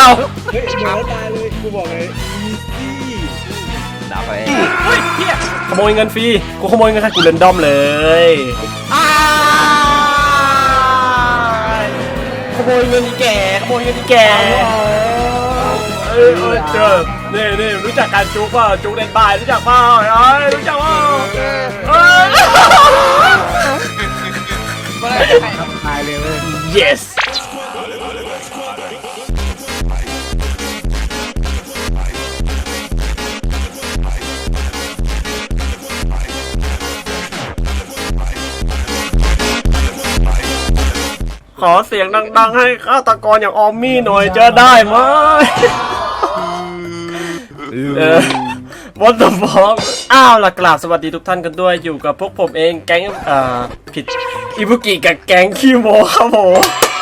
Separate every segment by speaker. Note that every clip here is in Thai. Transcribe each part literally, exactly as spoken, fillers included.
Speaker 1: เฮ้ยเดี๋ยวตายเลยกูบอกเลยอีซี่
Speaker 2: ดับไป
Speaker 3: เฮ้ยเฮียขโมยเงินฟรีกูขโมยเงินค่ะกูเรนดอมเลยขโมยเงินอีแก่ขโมยเงินอีแก่เออเออเจอนี่นี่รู้จักการจุกป่ะจุกเล่นบายรู้จักเปล่าเอ้ยรู้จักเปล่าเอ้ย
Speaker 4: ตายเลยเว้ย
Speaker 3: yes ขอเสียงดังๆให้ฆาตกรอย่างออมมี่หน่อยจะได้ไหมเออวันต่อฟองอ้าวล่ะกราบสวัสดีทุกท่านกันด้วยอยู่กับพวกผมเองแก๊งอ่าผิดอิบุกิกับแก๊งคิโมครับผม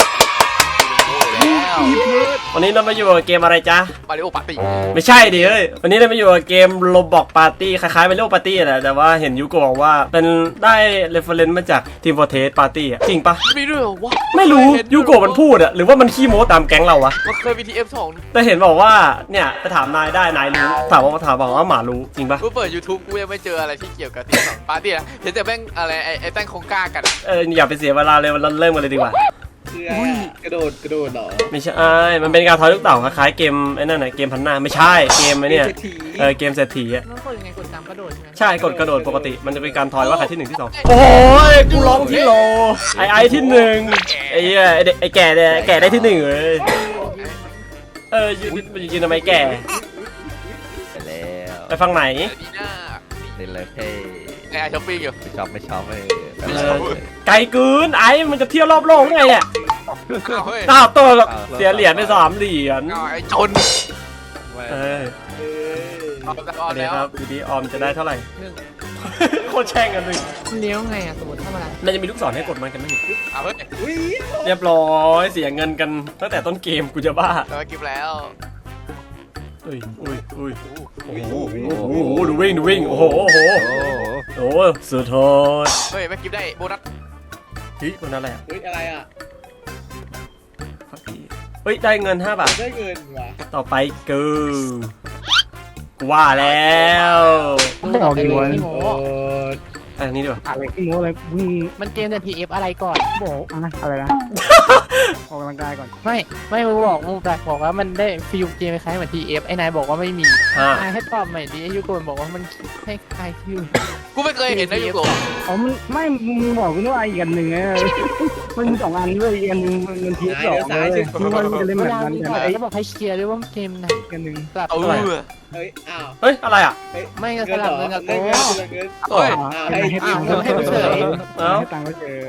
Speaker 3: วันนี้เรามาอยู่กับเกมอะไรจ๊ะ
Speaker 2: มาริโอปาร์ตี้
Speaker 3: ไม่ใช่ดิเอ้ยวันนี้เรามาอยู่กับเกมโรบอกปาร์ตี้คล้ายๆเป็นโรปาร์ตี้แหละแต่ว่าเห็นยูโกบอกว่าเป็นได้เรฟเฟรนซ์มาจากทีมโฟเทสปาร์ตี้อะจริงปะ
Speaker 2: มีด้วยเหรอวะ
Speaker 3: ไม่รู้ยูโกมันพูดอะหรือว่ามันขี้โม้ตามแก๊งเราวะ
Speaker 2: มันเคยมีทีเอฟสอง
Speaker 3: แต่เห็นบอกว่าเนี่ยไปถามนายได้นายรู้ถามว่าถามบอกว่าหมารู้จริงปะ
Speaker 2: กูเปิด YouTube กูยังไม่เจออะไรที่เกี่ยวกับทีเอฟสองปาร์ตี้นะเห็นแต่แม่งอะไรไอ้ไอ้แต้งคงกล้ากัน
Speaker 3: เอออย่าไปเสียเวลาเลยเราเริ่มกันเลยดีกว่า
Speaker 1: คืออะไรอะกระโดดกระโดดเหรอ
Speaker 3: ไม่ใช่มันเป็นการทอยลูกเต่าคล้ายๆเกมไอ้นั่นน่ะเกมพันหน้าไม่ใช่เกมไอ้เนี่ยเออเกมเศรษฐีอะ
Speaker 2: มันกดยังไงกดตามกระโดดใช่ไหม
Speaker 3: ใช่กดกระโดดปกติมันจะเป็นการทอยว่าใครที่หนึ่งที่สองโอ้ยกูร้องที่โลไอไอที่หนึ่งไอ้เหี้ยไอเด็กไอแก่เนี่ยแก่ได้ที่หนึ่งเลยเออยืนยืนทำไมแก่
Speaker 2: ไปแล้ว
Speaker 3: ไปฟังไหน
Speaker 2: ดีหน้า
Speaker 5: เล่นเลยเพ่
Speaker 2: ไอ้ช้อปปิ้งอยู่
Speaker 5: ไม่ชอบไม่ชอบเลยแบบ
Speaker 3: เออไกลเกินไอมันจะเที่ยวรอบโลกไงเนี่ย
Speaker 2: อ้าวเฮ้ย
Speaker 3: อ้าวตัวเสียเหรียญไปสามเหรียญ
Speaker 2: อ้าวไอ้จน
Speaker 3: เออ
Speaker 1: เออ
Speaker 2: เอาแต่
Speaker 3: ส
Speaker 2: เอา
Speaker 3: วัสดี
Speaker 2: แล้ว
Speaker 3: ครับดีดีออมจะได้เท่าไหร่
Speaker 2: หนึ่ง
Speaker 3: โคตรแช่งกันเลย
Speaker 2: เลี้ยวไงอ่ะสมมติทำอะไร
Speaker 3: มันจะมีลูกศรให้กดมันกันไหม
Speaker 2: เอาเฮ้ย
Speaker 1: อุ้ย
Speaker 3: เรียบร้อยเสียเงินกันตั้งแต่ต้นเกมกูจะบ้า
Speaker 2: เรากินแล้ว
Speaker 3: อุ้ยอุ้ยอุ้ยโอ้โหโอ้โหดูวิ่งดูวิ่งโอ้โหโอ้โห
Speaker 5: โอ้โห
Speaker 3: โอ้สุดโหด
Speaker 2: เฮ้ยไม่กินได้โบนัส
Speaker 3: เฮ้ยคนนั้นแหละ
Speaker 1: อุ้ยอะไรอ่ะ
Speaker 3: เฮ้ยได้เงินห้าบาท
Speaker 1: ได้เงินว่ะ
Speaker 3: ต่อไปกูกูว่าแล้ว
Speaker 4: บอกดีวะ
Speaker 1: โอ้
Speaker 3: ไปทางนี้ดีกว่า
Speaker 4: อะไรขี้โม้อะไรมึง
Speaker 6: มันเกมแต่ ที เอฟ อะไรก่อน
Speaker 4: บอกอะอะไรนะออกกำลังกายก่อน
Speaker 6: ไม่ไม่มึงบอกมึงแต่บอกว่ามันได้ฟิลเกมคล้ายเหมือน ที เอฟ ไอ้นายบอกว่าไม่มี
Speaker 3: ห้า
Speaker 6: นายให้ตอบใหม่ดิไอ้ยูโกนบอกว่ามันคล้ายๆฟิล
Speaker 2: กูไม่เคยเห็นนะยูโกะ
Speaker 4: อ๋อมันไม่มึงบอกกูว่าอีกอันหนึ่งไงมันมีสองอันด้วยอีกอันหนึ่งมันทีสองเลยมึงว่ามึงจะเล่น
Speaker 6: เว
Speaker 4: แบบ
Speaker 6: ลา
Speaker 4: นั้น
Speaker 6: มี
Speaker 4: กัน
Speaker 6: บอก
Speaker 4: ไอ้
Speaker 6: แล้วบอกให้เคลียร์ด้วยว่าเกมไหน
Speaker 4: อีกอันหนึ่ง
Speaker 6: สลับ
Speaker 2: เอา
Speaker 6: เ
Speaker 2: เว้ย
Speaker 1: เฮ้ยอ้าว
Speaker 3: เฮ้ยอะไรอ่ะ
Speaker 1: เฮ้ย
Speaker 6: ไม่ก็สลับเงินกับ
Speaker 1: ได้
Speaker 6: โต๊
Speaker 1: เงินได้เงิน
Speaker 2: เฮ้ย
Speaker 1: อ้าวให้
Speaker 4: ให้
Speaker 1: ให้
Speaker 4: ตังค์
Speaker 6: ให้เฉย
Speaker 4: ให้ตังค์ก็เฉย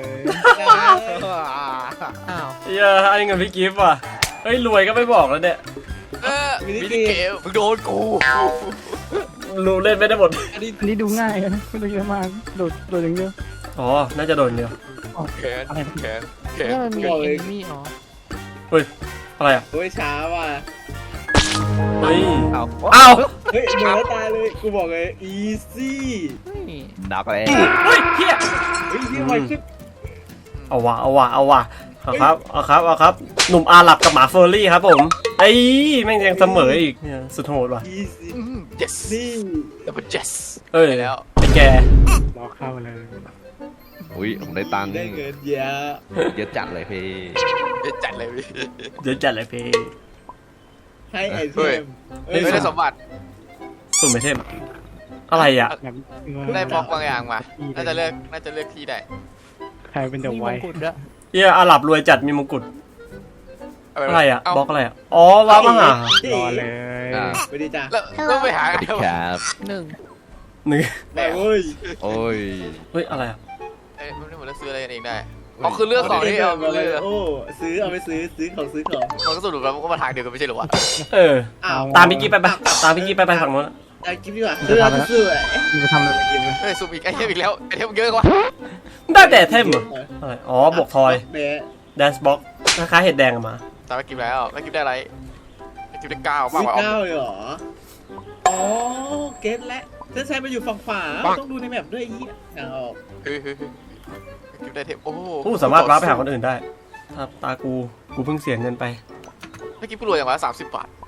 Speaker 6: อ้าว
Speaker 3: เย้ไอ้เงินพี่กิฟต์ว่ะเฮ้ยรวยก็ไม่บอกแล้วเนี่ย
Speaker 2: เออมินิเกมมึงโดนกู
Speaker 3: รู้เล่นไม่ได้หมด
Speaker 1: อันนี้
Speaker 4: อันนี้ดูง่ายนะไม่ต้องเยอะมากโดดโดดอย่างเดียว
Speaker 3: อ๋อน่าจะโดนเดียว
Speaker 2: แขนแขนแขน
Speaker 6: นี่มันมีเอนมี่อ๋อ
Speaker 3: อะไรอ่ะ
Speaker 1: โอ้ยช้าว่ะ
Speaker 3: เฮ้ย
Speaker 5: เอา
Speaker 3: อ้าว
Speaker 1: เฮ้ยเดี๋ยวตายเลยกูบอกเลยอีซี่
Speaker 6: เฮ้ย
Speaker 5: ดับไป
Speaker 3: เฮ้ยเฮีย
Speaker 1: เฮ้ยที่ไวขึ้น
Speaker 3: เอาว่ะเอาว่ะเอาว่ะเอาครับเอาครับเอาครับหนุ่มอาหรับกับหมาเฟอร์รี่ครับผมไอ้แม่งยังเสมออีกเนี่ยสุดโหดว่ะ
Speaker 1: อีซี่
Speaker 2: อืม yes
Speaker 1: นี่
Speaker 2: ดับเบิล yes
Speaker 3: เอ้ย
Speaker 2: ไปแล้ว
Speaker 3: ไอ้แก
Speaker 4: รอเข้าเลย
Speaker 5: อุ้ยผมได้ตังค์
Speaker 1: ได้เงินเยอะ
Speaker 5: เยอะจัดเลยพี่
Speaker 2: เดี๋ยวจัดเลยพี่
Speaker 3: เดี๋ยวจัดเลยเพ
Speaker 1: ให้ไอเท
Speaker 2: เฮ้ย
Speaker 1: ม
Speaker 2: ไม่ได้สมบัติ
Speaker 3: สุ่มไอเทมอะไรอ่ะ
Speaker 4: แบบ
Speaker 2: ได้บล็อกบางอย่างมา น่าจะเลือก น่าจะเลือกที่ได้
Speaker 4: ใครเป็นเดอะ
Speaker 6: มี
Speaker 4: ไว
Speaker 6: มงกุฎด้วย
Speaker 3: เฮียอาหรับรวยจัดมีมงกุฎ
Speaker 2: เาป
Speaker 3: อะไรอ่ะ
Speaker 2: เา
Speaker 3: บล็อกอะไรอ่ะอ๋อว้าวมาหาร
Speaker 4: อเลย
Speaker 5: อ่า
Speaker 1: ไปดีจ้า
Speaker 2: แล้วต้องไปหาไงวะ
Speaker 5: ครับ
Speaker 6: หนึ่ง
Speaker 3: หนึ่ง
Speaker 1: แม่เว้ย
Speaker 5: โอ้ย
Speaker 3: เฮ้ยอะไรอ่ะ
Speaker 2: เอ้ยมันไม่เหมือนเราซื้ออะไรกันเองได้อ๋อคือเลือกของที่เอาไปเลือก
Speaker 1: โอ้ซื้อเอาไปซื้อซื้อของซื้อของ
Speaker 2: มันก็สรุปแล้วมันก็มาทางเดียวกันไม่ใช่เหรอวะ
Speaker 3: เออ
Speaker 1: อ้าว
Speaker 3: ตามพี่กี้ไปปะตามพี่กี้ไปไปฝั่งนู้น
Speaker 1: ไอ้กิ๊บดีกว่าซื้อเอาไปซื้อ
Speaker 4: มึงจะทำอะไรกินไหม
Speaker 2: เฮ้ยสุ่มอีกไอเทมอีกแล้วไอเทมเยอะกว่า
Speaker 3: ได้แต่เทมเหรออะไรอ๋อบวกทอย
Speaker 1: เบะ
Speaker 3: แดนซ์บ็อกคล้ายๆเห็ดแดงอะมา
Speaker 2: ตามไปกินแล้วไม่กินได้ไรไม่กินได้เก้า
Speaker 1: ซื้
Speaker 2: มาก
Speaker 1: อก
Speaker 2: ว่า
Speaker 1: เก้าเลยเหรออ๋อเก็ตแล้วถ้าใช้มาอยู่ฝั่งขวาต้องดูในแมปด้วยยี่อ่างออก
Speaker 2: เฮ้ยเฮ้ยเฮ้ยกินได้เทมโอ้โห
Speaker 3: ผู้สามารถว้าไปหาคนอื่นได้ถ้าตากูกูเพิ่งเสียเงินไป
Speaker 2: เมื่อกี้กูรวยอย่างวะสามสิบบาท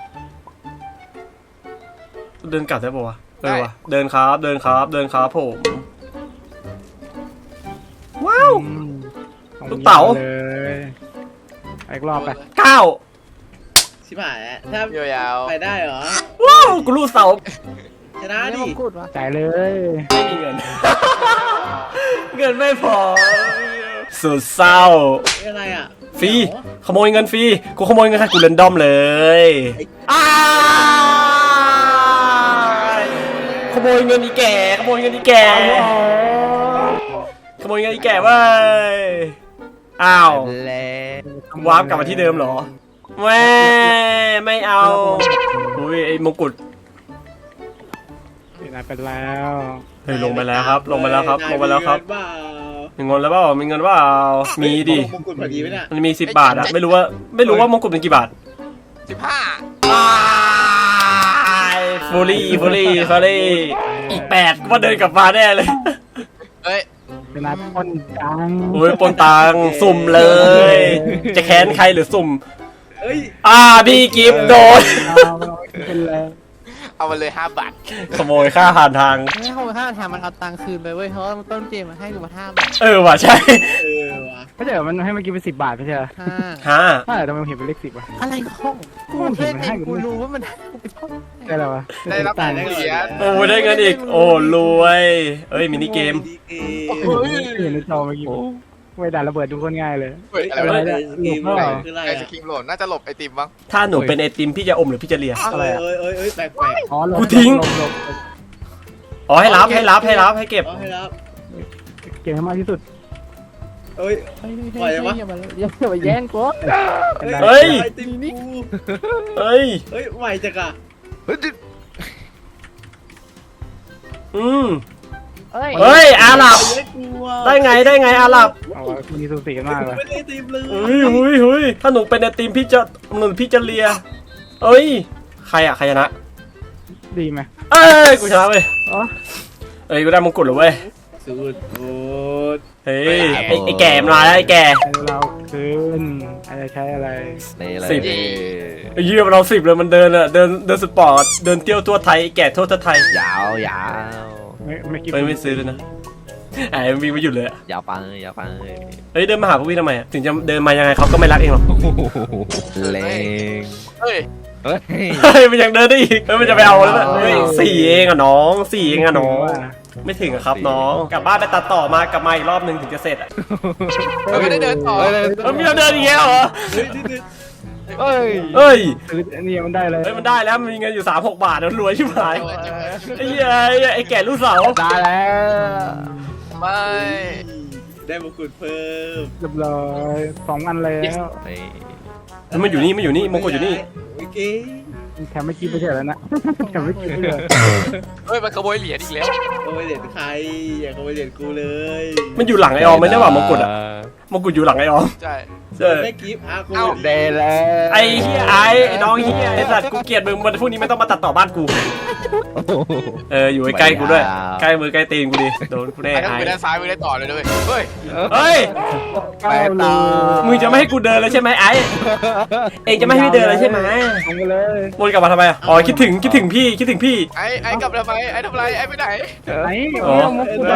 Speaker 3: เดินกลับได้ปะวะเอ
Speaker 2: ได้
Speaker 3: อวะเดินครับเดินครับเดินครับผมว้าว
Speaker 4: อืม
Speaker 3: ลูกเต๋า
Speaker 4: เลยอีกรอบไป
Speaker 3: เก้า
Speaker 1: ชิบหายแล้วถ้าย
Speaker 2: าว
Speaker 1: ไปได้เหรอ
Speaker 3: ว้าวกูรู้เสา
Speaker 1: ชนะ
Speaker 6: ไม่
Speaker 1: ดิ
Speaker 6: มงกุฎวะ
Speaker 4: จ่ายเลย
Speaker 3: ไม่มีเงิน เงินไม่พอสุดเศร้า
Speaker 1: นี่อะไรอ่ะ
Speaker 3: ฟรีขโมยเงินฟรีกูขโมยเงินใครกูเรนดอมเลยอ้ายขโมยเงินอีแก่ขโมยเงินอีแก่ขโมยเงินอีแก่เว้ยอ้าว
Speaker 5: แล้ว
Speaker 3: วาร์ปกลับมาที่เดิมเหรอแม่ไม่เอาอุ้ยไอ้มงกุฎ
Speaker 4: นายไปแล้ว
Speaker 3: เฮ้ยลงไปแล้วครับ ลงไปแล้วครับ ลงไปแล้วครับ
Speaker 1: นายมีเงินเปล่า
Speaker 3: มีเงินแล้วเปล่ามีเงินเปล่ามีดิ
Speaker 1: มงกุฎพอดีไหมเนี่ย
Speaker 3: มันมีสิบบาทอะไม่รู้ว่าไม่รู้ว่ามงกุฎเป็นกี่บาท
Speaker 2: สิบห้า
Speaker 3: ฟูลี่ฟูลี่ฟูลี่อีกแปดก็เดินกลับมาแน่เลย
Speaker 2: เฮ้ย
Speaker 4: เป็นนายปนจัง
Speaker 3: โอ้ยปนตังสุ่มเลย จะแค้นใครหรือสุ่ม
Speaker 1: เอ้ย
Speaker 3: อ่าพี่กิฟต์โดน
Speaker 4: เอาเป็นเลย
Speaker 2: เอามาเลยห้าบาท
Speaker 3: ขโมยค่าผ่านทาง
Speaker 6: ไม่ให้เขามาห้าทางมันเอาตังค์คืนไปเว้ยเพราะว่าต้นเกมมันให้กูมาห้าบาท
Speaker 3: เออว่ะใช่
Speaker 1: เออว่ะ
Speaker 4: ไม่ใช่เหรอมันให้เมื่อกี้เป็นสิบบาทไม่ใช่เหรอ
Speaker 6: ห้า
Speaker 3: ฮะ
Speaker 4: ถ้าทำไมมันเห็นเป็นเลขสิบวะ
Speaker 6: อะไรของกูเล่นเองกูรู้ว่ามันให้กูไปท่อง
Speaker 4: ได้แล้ววะ
Speaker 2: ได้รับ
Speaker 4: ตาย
Speaker 2: เหรียญ
Speaker 3: โอ้ยได้เงินอีก โอ้รวยเอ้ยมินิเกม
Speaker 1: ดีเก
Speaker 4: เห็นในจอเมื่อกี้ไม่ด่าระเบิดดูคนง่ายเลย
Speaker 2: เฮ้ยอะไร
Speaker 1: อะไร
Speaker 2: วะ
Speaker 1: เนี่ยเกมอะไรคืออะไร
Speaker 2: ไอ
Speaker 1: อ่ะ
Speaker 2: ศครีมหล่นน่าจะหลบไอติมมั้ง
Speaker 3: ถ้าหนูเป็นไอติมพี่จะอมหรือพี่จะเลีย
Speaker 1: เอ้ยเอ้ยเอ้ยเอ้ยแปลกแปลก
Speaker 4: อ๋อลบ
Speaker 3: กูทิ้ง
Speaker 4: ลบลบลบ
Speaker 3: อ๋อให้รับให้รับให้รับให้เก็บ
Speaker 1: เอาให้รับ
Speaker 4: เก่งให้มากที่สุด
Speaker 1: เอ้ย
Speaker 6: เฮ้ย
Speaker 1: ปล่อยเลยวะ
Speaker 6: อย่ามาอย่ามาแย่งกู
Speaker 3: เฮ้ย
Speaker 1: ไอติมกู
Speaker 3: เอ้ย
Speaker 1: เฮ้ยไหวจังอะ
Speaker 5: เฮ้ย
Speaker 3: อืม
Speaker 6: เอ้ย
Speaker 3: เฮ้ยอาหรับ
Speaker 1: เฮ้ยกลัว
Speaker 3: ได้ไงได้ไงอาหรับ
Speaker 4: เอาวะคุณนี่สูสีกันมากเลย
Speaker 1: ไม่ได้ไอติมเลย
Speaker 3: เฮ้ยเฮ้ยเฮ้ยถ้าหนูเป็นไอติมพี่จะหนูพี่จะเลียเอ้ยใครอะใครชนะ
Speaker 4: ดีไหม
Speaker 3: เอ้ยกูชนะเว้ย
Speaker 4: อ๋อ
Speaker 3: เอ้ยกูได้มงกุฎแล้วเว้ย
Speaker 1: สุดโอด
Speaker 3: เฮ้ยไอ้ไอ้แก่มาแล้วไอ้แก่
Speaker 4: ให้เราคืนอาจจะใช้อะไร
Speaker 5: นี่เลย
Speaker 3: สิบ ไอ้เหี้ยมันเราสิบเลยมันเดินอะเดินเดินสปอร์ตเดินเที่ยวทั่วไทยไอ้แก่ทั่วไทย
Speaker 5: ยาวยาว
Speaker 4: ไม่ไม่คิด
Speaker 3: เฮ้ยไม่ซื้อเลยนะไอ้มันวิ่งไม่หยุดเลยอะ
Speaker 5: ยาวไปยาวไป
Speaker 3: เฮ้ยเดินมาหาพวกพี่ทำไมอะถึงจะเดินมายังไงเขาก็ไม่รักเองหรอก
Speaker 5: เลง
Speaker 2: เฮ้ย
Speaker 5: เฮ้ย
Speaker 3: เฮ้ยมันยังเดินได้อีกเฮ้ยมันจะไปเอาแล้วนะเฮ้ยสี่เองอะน้องสี่เองอะน้องไม่ถึงอะครับน้องกลับบ้านไปตัดต่อมากลับมาอีกรอบหนึ่งถึงจะเสร็จอะ
Speaker 2: เราไม่ได้เดินต่อ
Speaker 5: เฮ้ย
Speaker 3: เฮ้ยมีเราเดินอีกแล้วเหรอ
Speaker 1: เฮ้ยนี่นี่
Speaker 5: เฮ้ย
Speaker 3: เฮ้ย
Speaker 4: ซื้ออันนี้มันได้เลย
Speaker 3: เฮ้ยมันได้แล้วมันมีเงินอยู่สามหกบาทแล้วรวยชิบหายไอ้เหี้ยไอ้เหี้ยไอ้แก่ลูกสาว
Speaker 4: ได้แล้ว
Speaker 2: ไม่
Speaker 1: ได้มงกุฎเพิ่ม
Speaker 4: เรียบร้อยสองอันแล้ว
Speaker 5: นี่
Speaker 3: เฮ้ยมันอยู่นี่มันอยู่นี่มงกุฎอยู่นี่
Speaker 1: โอเค
Speaker 4: แถมไม่คิดไปเฉยแล้วนะแถมไม่คิดเลย
Speaker 2: เฮ้ยมันขโมยเหรียญอีกแล้ว
Speaker 1: ขโมยเหรียญใครอย่าขโมยเหรียญกูเลย
Speaker 3: มันอยู่หลังไอออมไม่ได้ว่ามงกุฎอะมงกุฎอยู่หลังไอออม
Speaker 2: ใช่
Speaker 3: ใช่
Speaker 1: ไม่กิฟต์อากู
Speaker 2: เอ้า
Speaker 5: เดแล้ว
Speaker 3: ไอ้เฮียไอ้ไอ้น้องเฮียไอ้สัตว์กูเกลียดมึงมันพวกนี้ไม่ต้องมาตัดต่อบ้านกู เอออยู่ใกล้ๆกูด้วยใกล้มือใกล้ตีนกูดิโดนกูแน่
Speaker 2: ไอ้ต้อง
Speaker 3: ไอ้
Speaker 2: ไปด้านซ้ายไปได้ต่อเลยด้วยเฮ้ย
Speaker 3: เฮ้ย
Speaker 4: ไปต่อ
Speaker 3: มึงจะไม่ให้กูเดินเลยใช่ไหมไอ้เองจะไม่ให้พี่เดินเลยใช่ไหม
Speaker 4: ลงไปเลย
Speaker 3: วนกลับมาทำไมอะอ๋อคิดถึงคิดถึงพี่คิดถึงพี่
Speaker 2: ไอ้ไอ้กลับทำไมไอ้ทำไรไอ้ไปไหน
Speaker 4: ไหน
Speaker 3: อ๋อ
Speaker 4: เอามุกกูได้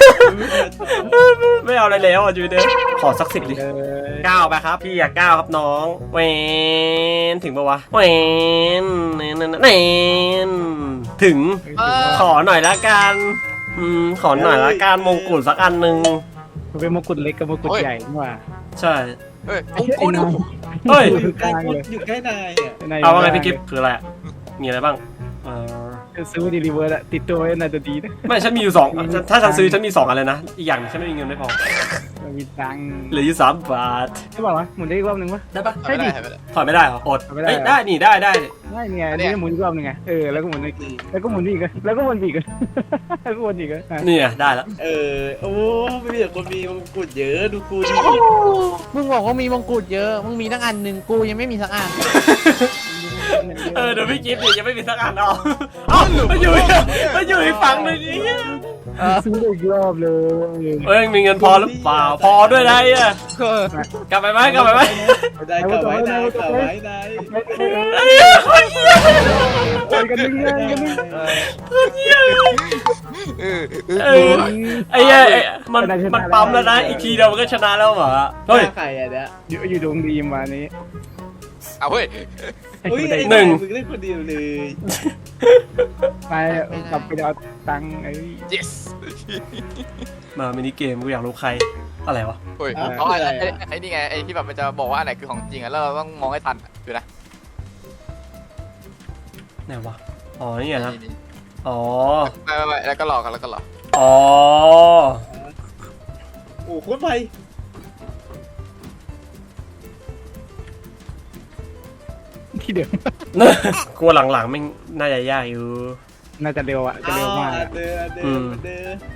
Speaker 3: ไม่เอาอะไรแล้วอ่ะจูเดินขอสักสิบดิ
Speaker 4: เลย
Speaker 3: เก้าไปครับพี่อยากเก้าครับน้องเวนถึงปะวะเวนเนนเนนถึง
Speaker 2: เออ
Speaker 3: ขอหน่อยละกันอืมขอหน่อยละกันมงกุฎสักอันหนึ่ง
Speaker 4: มันเป็นมงกุฎเล็กกับมงกุฎใหญ่นี่หว่า
Speaker 3: ใช่
Speaker 2: เฮ้ยมงกุฎ
Speaker 3: เฮ้ย
Speaker 1: อยู่ใกล้กูอยู่ใกล้นายอ่ะ
Speaker 3: เอาว่าไงพี่กิฟต์คืออะไรอะมีอะไรบ้างเออ
Speaker 4: ซื้อดีลิเวอร์อะติดตัวไว้น่าจะดีนะ
Speaker 3: ไม่ฉันมีอยู่สองฉันถ้าฉันซื้อฉันมีสองอันเลยนะอีกอย่างฉันไม่มีเงินไม่พอ
Speaker 4: มีตังค์
Speaker 3: เหลืออยู่สามบาท
Speaker 4: ใช่ป่าวะหมุนได้อีกรอบหนึ่งวะ
Speaker 3: ได้ปะ
Speaker 2: ใช่ดิ
Speaker 3: ถอยไม่ได้เหรออด
Speaker 4: ถอยไม่ได้
Speaker 3: เอ้ยได้นี่ได้ได้
Speaker 4: ไม่เนี่ยอันนี่หมุนอีกรอบหนึ่งไงเออแล้วก็หมุนอีกแล้วก็หมุนอีกแล้วก็หมุนอีกแล้วก็หมุนอีกอ่ะ
Speaker 3: นี่ไงได้แล้ว
Speaker 1: เออโอ้ไม่มีแต่คนมีมงกุฎเยอะดูกูดิ
Speaker 6: มึงบอกว่ามีมงกุฎเยอะมึงมีตั้งอันหนึ่งกูยังไม่มีสักอัน
Speaker 3: เออเดี๋ยวพี่กิฟต์ดิยังไม่มีสักอันเอาเอ้ามันอยู่มันอยู่อีกฝั่งหนึ่งนี่
Speaker 4: ซื้ออีกรอบเลย
Speaker 3: เอ้ยมีเงินพอหรือเปล่าพอด้วยนะไอ่ะกลับไปไหมกลับไปไหม
Speaker 1: ได้กลับไว้ได้กลับไว้ได้
Speaker 3: ไอ้เหี้ยคนเหี้ย
Speaker 4: โอ้ยกันนึงเลยกันนึง
Speaker 3: คนเหี้ย
Speaker 2: เออ
Speaker 3: เออไอ้เหี้ยไอ้มันมันปั๊มแล้วนะอีกทีเดียวมันก็ชนะแล้วเหรอเฮ้ย
Speaker 1: ใครอ่ะเนี่ย
Speaker 4: อยู่อยู่ดวงดีมานี้
Speaker 2: เอาเฮ้ย
Speaker 1: อุ้ย
Speaker 3: หนึ่ง
Speaker 1: มึงเล่นคนเดียวเลย
Speaker 4: ไปกลับไปเอาตังค์ไอ้
Speaker 2: yes
Speaker 3: มามินิเกมกูอยากรู้ใครอะไรวะ
Speaker 2: เฮ้ยอ๋อไอ้ไอ้ไอ้นี่ไงไอ้ที่แบบมันจะบอกว่าอันไหนคือของจริงอะแล้วเราต้องมองให้ทันอะดูนะ
Speaker 3: ไหนวะอ๋อนี่ไงนะอ๋อ
Speaker 2: ไปไปไปแล้วก็หลอกกันแล้วก็หลอก
Speaker 3: อ๋อ
Speaker 1: โอ้โคตรไป
Speaker 4: ที่เดิม
Speaker 3: กลัวหลังๆไม่งน่าจะยากอยู่
Speaker 4: น่าจะเร็วอ่ะจะเร็วมาก
Speaker 1: อ่เดินเดิ
Speaker 3: อื
Speaker 1: น
Speaker 3: ม
Speaker 1: เดิน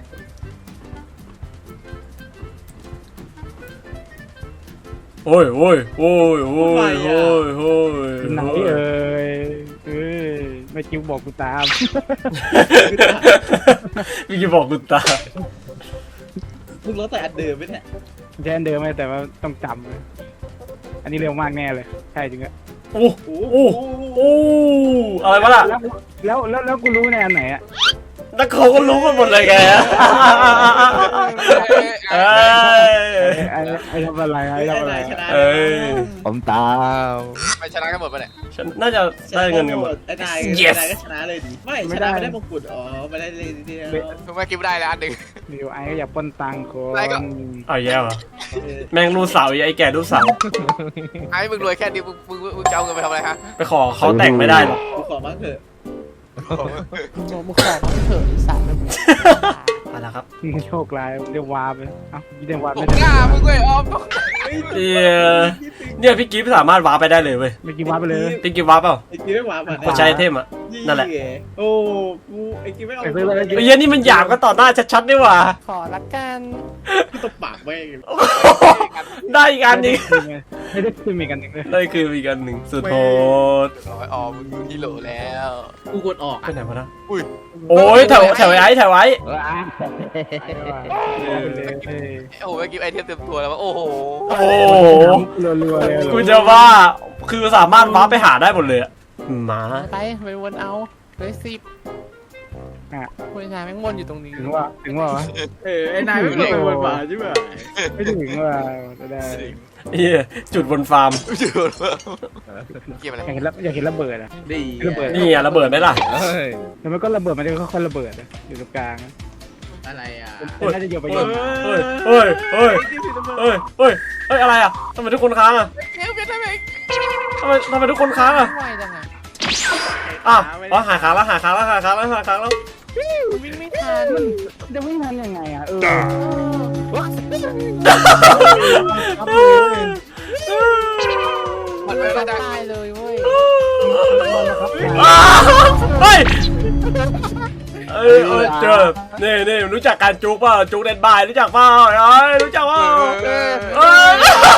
Speaker 3: โอ้ยโอ้ยโอ้ยโอ้ยโอ้ยโอ้ย
Speaker 4: ไหนเอ่ยเอ้ยไม่กิ้วบอกกูตาม
Speaker 3: พี่จะบอกกูตา
Speaker 1: มึงรถแต่อันเดิมไหมเนี่ย
Speaker 4: แจ้นเดิมไหมแต่ว่าต้องจำเลยอันนี้เร็วมากแน่เลยใช่จริงอะ
Speaker 3: โอ้โอ้โอ้อะไรวะล่ะ
Speaker 4: แล้วแล้วแล้วกูรู้ในอันไหนอะ
Speaker 3: แล้วเขาก็รู้กันหมดเลยแกเอ้ย
Speaker 4: ไอ้ไอ้ทำอะไรไอ้ทำอะไร
Speaker 1: ชนะ
Speaker 3: เอ้ย
Speaker 5: ผมตาม
Speaker 2: ไปชนะกันหมดปะเนี่ย
Speaker 3: ฉันน่าจะได้เงินกันหมด
Speaker 1: ไอ้นาย
Speaker 3: Yes
Speaker 1: นายก็ชนะเลยดิไม่ชนะไม่ได้มงกุฎอ๋อไม่ได้เลยทีเดียว
Speaker 2: เพิ่งมากินได้แล้วอันหนึ่ง
Speaker 4: เดี๋ยวไอ้ก็อย่าปล้นตังค์คน
Speaker 2: ไอ้ก็
Speaker 3: เอาแย่เหรอแม่งรู้เสาไอ้แก่รู้เสา
Speaker 2: ไอ้มึงรวยแค่นี้มึงมึงมึงจะเอาเงินไปทำอะไรฮะ
Speaker 3: ไปขอเขาแต่งไม่ได้หรอก
Speaker 1: กูขอบ้างเถอะ
Speaker 6: มึงบอกมึงขอมาเถอะไอ้สัตว์แล้วมึง
Speaker 3: เอาละครับ
Speaker 4: โชคร้ายเรียกวาร์ปเลยเอ้าเรียกวาร์ป
Speaker 2: ผ
Speaker 4: ไม่
Speaker 2: ม
Speaker 4: ได้
Speaker 2: หน้ามึงเว้ยออม
Speaker 3: เนี่ยเนี่ยพี่กิฟต์สามารถวาร์ปไปได้เลยเว้ย
Speaker 4: ไม่กินวาร์ปไปเลย
Speaker 3: พี่กิฟต์วาร์ปเปล่า
Speaker 1: ไอ้กิ๊ไม่หวานมัน
Speaker 3: กดใช้ไอเทมอ่ะ นั่นแหละ
Speaker 1: โอ้กูไอ้กิ๊ไม่เอา
Speaker 4: ไปซื้อเลย
Speaker 3: ไอ้เหี้ยนี่มันหยาบก็ต่อหน้าชัดๆนี่หว่า
Speaker 6: ขอละกัน
Speaker 1: กูตบปากแม่ง
Speaker 3: ได้อีกอันหนึง
Speaker 4: ไม่ได้ซื้อมีกันหนึ่งเลย
Speaker 3: ได้คืออีกอันหนึ่งสุดโหด
Speaker 2: ร้อยออมมึงอยู่ที่โหลแล้ว
Speaker 1: กูกดออก
Speaker 3: ไปไหนวะนะ
Speaker 2: อุ้ย
Speaker 3: โอ้ยแถวแถวไอ้แถวไอ้
Speaker 5: ว้า
Speaker 2: โอ้โหเมื่อกี้ไอเทมเต็มตัวแล้ววะโอ้โห
Speaker 3: โอ้โห
Speaker 4: รัวๆเลย
Speaker 3: กูจะว่าคือสามารถวาร์ปไปหาได้หมดเลยอะหมา
Speaker 6: ไปไปวนเอาเลยสิบคุยงานแม่งวนอยู่ตรงนี้
Speaker 4: ถึงว่าถึงว่าวะ
Speaker 1: เออไอ้นายไม่เป็นคนหวานใช่ไหม
Speaker 4: ไม่ถึงว่าจะได้
Speaker 3: เหี้ยจุดบนฟาร์ม
Speaker 2: เกี่ยวอะไร
Speaker 4: อยากเห็นระอยากเห็นระเบิดอะ
Speaker 1: ดี
Speaker 4: ระเบิด
Speaker 3: นี่อะระเบิดไหมล่ะ
Speaker 5: เฮ้ย
Speaker 4: แต่มันก็ระเบิดมันจะค่อยๆระเบิดอะอยู่ตรงกลาง
Speaker 1: อะไรอ่ะ
Speaker 4: น่าจะโยนไปโยนมา
Speaker 3: เฮ้ยเฮ้ยเฮ้ยเฮ้ยเฮ้ยเฮ้ยอะไรอะทำไมทุกคนค้างอะ
Speaker 2: เกี่ยวเป็นอะไร
Speaker 3: ทำไมทำไมทุกคนค้างอะ
Speaker 6: ไวจังอ่ะ
Speaker 3: อ้าวอ๋อหาค้างแล้วหาค้างแล้วหาค้างแล้วหาค้างแล้ว
Speaker 6: วิ่งไม่ทัน
Speaker 4: จะวิ่งทันยังไงอะเออ
Speaker 2: มันไม่
Speaker 6: จะ
Speaker 2: ได้
Speaker 6: ตายเลยเว้ย
Speaker 3: อ้าวเฮ้ยเอ้ยเอ้ยเจอนี่นี่รู้จักการจุกเปล่าจุกเด่นบายรู้จักเปล่าเอ้ยรู้จักเปล่าเอ้ย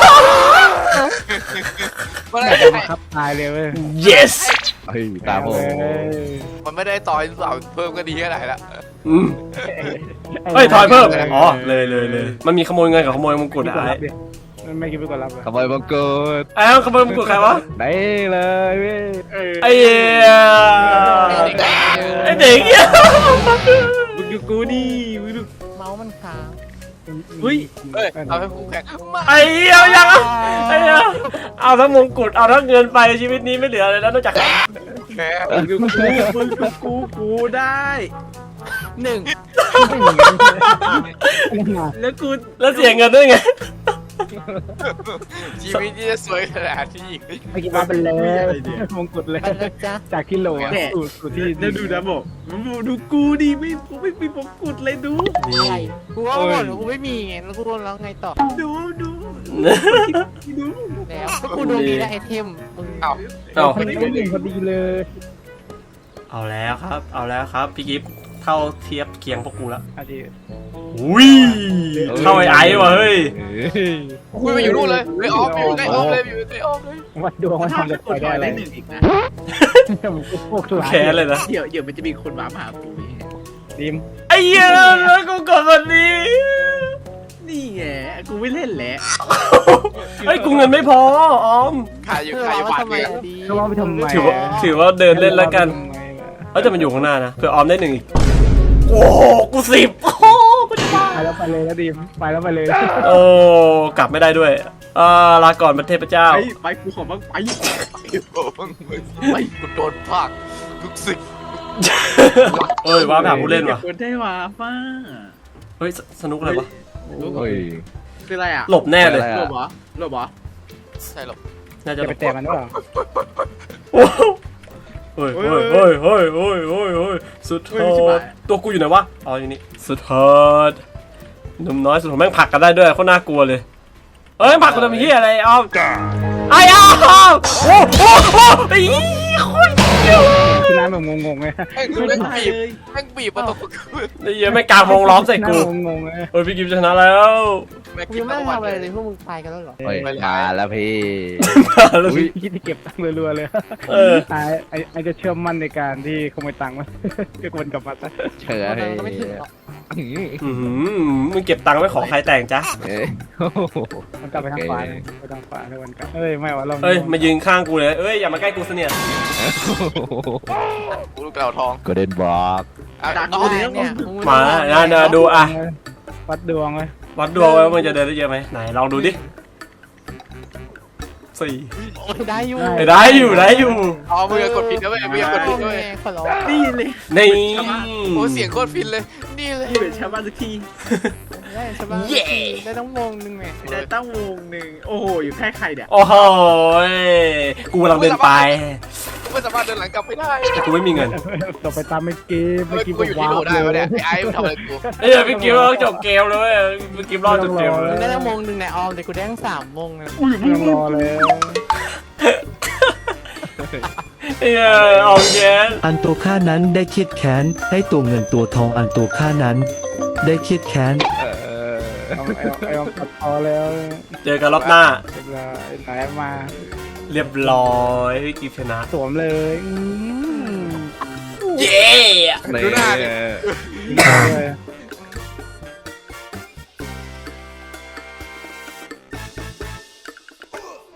Speaker 2: มัน
Speaker 4: อ
Speaker 2: ไม่
Speaker 4: ยาก
Speaker 2: ได้
Speaker 4: จะบังคับตายเลยเว้ย
Speaker 3: yes
Speaker 5: เฮ้ยตามผม
Speaker 2: มันไม่ได้ต่อยสาวเพิ่มก็ดีแค่ไหนละ
Speaker 3: อืมเฮ้ยถอยเพิ่มอ๋อเลยเลยเลยมันมีขโมยเงินกับขโมยมงกุฎอะไอ้
Speaker 4: มันไม่คิดไปก่อนรับอะ
Speaker 5: ขโมยบังเกิด
Speaker 3: ไอ้ขโมยมงกุฎใครวะ
Speaker 5: ได้เลยเว้ย
Speaker 3: ไอ้เหี้ยไอ้เด็กเหี้ย
Speaker 1: มึงดูกูดิมึงดู
Speaker 6: เมาส์มันค้าง
Speaker 1: เฮ้ย
Speaker 2: เฮ้ยเอาให้คู่แข่งมา
Speaker 3: ไอ้เหี้ยยังอะไอ้เหี้ยเอาทั้งมงกุฎเอาทั้งเงินไปชีวิตนี้ไม่เหลืออะไรแล้วนอกจาก
Speaker 2: แพ้
Speaker 1: มึงดูกูมึงดูกูกูได้
Speaker 6: หนึ่ง
Speaker 1: แล้วกู
Speaker 3: แล้วเสียเงินด้วยไง
Speaker 2: ชีวิตที่จะสวยขนาดที่อีก
Speaker 4: ไม่คิดว่าเป็นเลยมงกุฎเลย
Speaker 6: ไปเลยจ้ะ
Speaker 4: จากที่โหลอะสู่สู่ที่
Speaker 1: แล้วดูนะบอกมึงดูกูดิไม่กูไม่มีมงกุฎเลยดู
Speaker 6: อะไรกูว่าหมดแล้วกูไม่มีไงแล้วกูโดนแล้วไงต่อ
Speaker 1: ดูดูดู
Speaker 6: แล้วก็กูโดนมีได้ไอเทมมึง
Speaker 2: เอา
Speaker 3: เอา
Speaker 4: คนนี้ก็หนึ่งพอดีเลย
Speaker 3: เอาแล้วครับ เอาแล้วครับพี่กิฟต์เท่าเทียบเคียงพวกกูแล้ว
Speaker 4: อาทิ
Speaker 3: อุ้ยเท่าไอ้ไอ้ว่ะเฮ้ย
Speaker 5: เฮ้ย
Speaker 2: คุยไปอยู่นู่นเลยไปออฟอยู่ใกล้ออฟเลยอยู่ใกล้ออฟเลย
Speaker 4: วัดดวงว่าทำจะ
Speaker 1: ก
Speaker 4: ไป
Speaker 1: ด
Speaker 4: ได้
Speaker 1: ถอย
Speaker 4: อะไร
Speaker 1: ได้หนึ่งอีกนะ
Speaker 4: พวกทุก
Speaker 3: แค้นเลยนะ
Speaker 1: เดี๋ยวเดี๋ยวมันจะมีคนว้ามาหากู
Speaker 4: ดีม
Speaker 3: ไอ้เหี้ยแล้วกูกดวันนี้
Speaker 1: นี่ไงกูไม่เล่นแหละ
Speaker 3: เฮ้ยกูเงินไม่พอออม
Speaker 2: ขายอยู่
Speaker 6: เพื่อ
Speaker 2: ขายอยู่
Speaker 6: ว่า
Speaker 2: บาท
Speaker 6: ทำไม
Speaker 2: เดียว
Speaker 6: ดี
Speaker 4: ก็ว่าไปทำไม
Speaker 3: ถือว่าถือว่าเดินเล่นแล้วกันเอ้ยแต่มันอยู่ข้างหน้านะเผื่อออมได้หนึ่งอีกโอ้โหกูสิบโอ้โหกูจะบ้า
Speaker 4: ไปแล้วไปเลยแล้วดีมไปแล้วไปเลย
Speaker 3: โอ้กลับไม่ได้ด้วยอ่าลาก่อนประเทศเจ้า
Speaker 1: ไปไปกูขอบ้างไป
Speaker 2: ไปกูโดนภาคทุกสิ่ง
Speaker 3: เอ้ยว้าไปหาผู้เล่นว่ะ
Speaker 1: คนได้ว่าฟ้า
Speaker 3: เฮ้ยสสนุกอะไรวะ
Speaker 5: เฮ้ย
Speaker 1: คืออะไรอ่ะ
Speaker 3: หลบแน่เลย
Speaker 5: อะไร
Speaker 1: หล
Speaker 5: อะ
Speaker 1: บเหรอหลบเหรอ
Speaker 2: ใช่หรอ
Speaker 3: น่าจะ
Speaker 4: จะ
Speaker 3: หล
Speaker 4: ไป
Speaker 3: บ
Speaker 4: แตะมันหรือเปล่า
Speaker 3: โอ้โหเฮ้ยเฮ้ยเฮ้ยเฮ้ยเฮ้ยเฮ้ยเฮ้ยสุดฮอดตัวกูอยู่ไหนวะอ๋ออยู่นี่สุดฮอดหนุ่มน้อยสุดของแม่งผลักกันได้ด้วยโคตรน่ากลัวเลยเอ้ยผลักกันทำเหี้ยอะไรอ้อมไอ้อ้อมโอ้โหไอ้โคตรเหี้ย
Speaker 4: ที่น้าแบบงงๆเลย
Speaker 2: แม่ง
Speaker 1: ไม่
Speaker 2: แม่ง
Speaker 1: ได้
Speaker 2: บีบ
Speaker 1: เลย
Speaker 2: แม่งบีบมาตก
Speaker 3: ไอ้เหี้ยไม่กลางวงล้อมใส่
Speaker 4: หน้า
Speaker 3: กู
Speaker 4: งงๆเลย
Speaker 3: เฮ้ยพี่กิฟชนะแล้ว
Speaker 2: แม่ง
Speaker 6: กู
Speaker 2: กิ
Speaker 6: ยั
Speaker 2: น
Speaker 6: งไม่
Speaker 2: ทั้ง
Speaker 6: ได้
Speaker 2: วัน
Speaker 6: ทำอะไร
Speaker 2: เล
Speaker 6: เลย ยพวกมึงตายกันแล้วเหรอ
Speaker 5: เฮ้ยมาแล้วพี่
Speaker 3: แล้ว
Speaker 5: อุ้ย
Speaker 4: คิดที่เก็บตังค์รัวๆเลย
Speaker 3: เออ
Speaker 4: ไอ้ไอ้ไอ้จะเชื่อมั่นในการที่ขโมยตังค์มันก็ควรกลับมาซะ
Speaker 5: เฉย
Speaker 6: มันก็ไม่ถึงหรอก
Speaker 5: อื้อหือ
Speaker 3: อือหือมึงเก็บตังค์ไว้ขอใครแต่งจ้ะ
Speaker 5: เอ้ยโอ้โห
Speaker 4: มันกลับไปทางขวาเลยไปทางขวาทุกวันกลับเอ้ยไม่วะเรา
Speaker 3: เอ้ยมายืนข้างกูเลยเอ้ยอย่ามาใกล้กูเสนียด
Speaker 2: กูลูกเต่าทอง
Speaker 5: ก็เด่นบอก
Speaker 2: อ่ะ
Speaker 1: ดัก
Speaker 2: น้อง
Speaker 1: กู
Speaker 6: เนี่ย
Speaker 1: เนี่ย
Speaker 6: เนี่ยมึง
Speaker 3: มานะนะดูอ่ะ
Speaker 4: วัดดวงเลย
Speaker 3: วัดดวงไว้ว่ามึงจะเดินได้เยอะไหมไหนลองดูดิสี่
Speaker 6: ได้อยู่
Speaker 3: ได้อยู่ได้อยู่
Speaker 2: อ๋อมึงอย่ากดผิดนะเว้ยมึงอย่ากดผิดนะเว้ย
Speaker 6: ขอร้อง
Speaker 1: นี่เลย
Speaker 3: นี่
Speaker 2: โอ้เสียงโคตรฟินเลยนี่เลย
Speaker 1: นี่เป็นชาวบ้านสักที
Speaker 6: ได้ใช่ปะได้ต้องวงหนึ่งไง
Speaker 1: ได้ตั้งวงหนึ่งโอ้โหอยู่แค่ใครเนี่ย
Speaker 3: โอ้โหกูกำลังเดินไป
Speaker 2: ไม่สามารถเดินหลังกลับไปได้
Speaker 3: แต่กูไม่มีเงิน
Speaker 4: ต่อไปตามไม่เกม
Speaker 2: เฮ้
Speaker 4: ไม่
Speaker 2: ย
Speaker 4: กิน
Speaker 2: กูอยู่ที่โหลได้ปะเนี่ยไอ้ไอ้มึงทำอะไรกู
Speaker 3: เอ้ยพี่กิฟต์จบเกมเลยพี่กิฟต์รอดจบเกมเล
Speaker 6: มึ
Speaker 3: ย
Speaker 6: งได้ต้องวงหนึ่งในออมแต่กูได้ทั้งสามวงเลย
Speaker 4: ไม่ต้องรอเลย
Speaker 3: เอ้ยออกแกน
Speaker 7: อันตัวข้านั้นได้เครียดแค้นได้ตัวเงินตัวทองอันตัวข้านั้น ได้เครียดแค้น
Speaker 5: เออ
Speaker 4: เอาไอ้ไอ้ตัดพอแล้ว
Speaker 3: เจอกันรอบหน้า
Speaker 4: เรียบร้อยไหนมา
Speaker 3: เรียบร้อยพี่กิฟต์ชนะ
Speaker 4: สวมเลยอืม
Speaker 3: เย้
Speaker 5: นี่
Speaker 2: ดูหน้าดิ
Speaker 4: เลย